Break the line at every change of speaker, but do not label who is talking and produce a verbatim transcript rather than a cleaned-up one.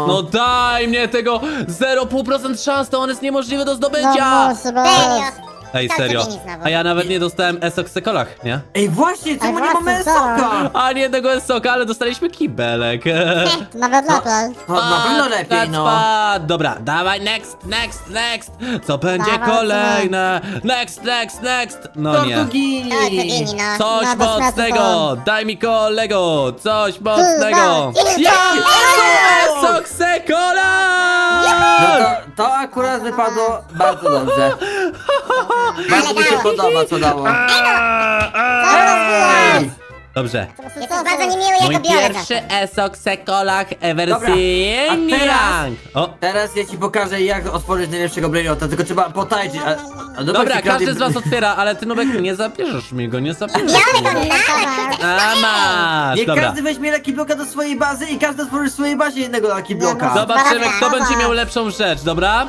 No.
No daj mnie tego zero przecinek pięć procent szans, to on jest niemożliwy do
No
zdobycia.
musi być.
Serio?
Ej,
To
serio.
sobie nic znowu.
A ja nawet nie dostałem esoksekolach, nie?
Ej, właśnie, czemu nie
właśnie,
mamy
co?
soka?
A nie tego esoka, ale dostaliśmy kibelek.
Nawet lepiej.
No, na pewno lepiej, no.
Pad. Dobra, dawaj, next, next, next. Co będzie
Dawaj,
kolejne? Next, next, next. No nie.
Tortugini.
To Tortugini, no.
Coś
No, bez
mocnego! Daj mi kolego! Coś mocnego!
Chyba.
Ja! Esoksekola!
No to, to akurat wypadło bardzo dobrze. Bardzo mi się
dało.
podoba, co dało.
Ej!
Dobrze.
Jesteś bardzo niemiły,
Mój
jako biorę
pierwszy esoksekolach wersji
Dobra, a teraz-
Niang. O,
Teraz ja ci pokażę, jak otworzyć najlepszego brainota, tylko trzeba potańczyć. A, a
dobra,
się
każdy
kradnie-
z was otwiera, ale ty, Nubek, nie zabierzesz mi go, nie zabierzesz
Biorę
mi
go
go.
na.
A masz,
Niech
dobra.
każdy weźmie Lucky Bloka do swojej bazy i każdy otworzy w swojej bazie jednego Lucky Bloka.
Dobra.
Zobaczymy, kto
Dobra.
będzie miał lepszą rzecz, dobra?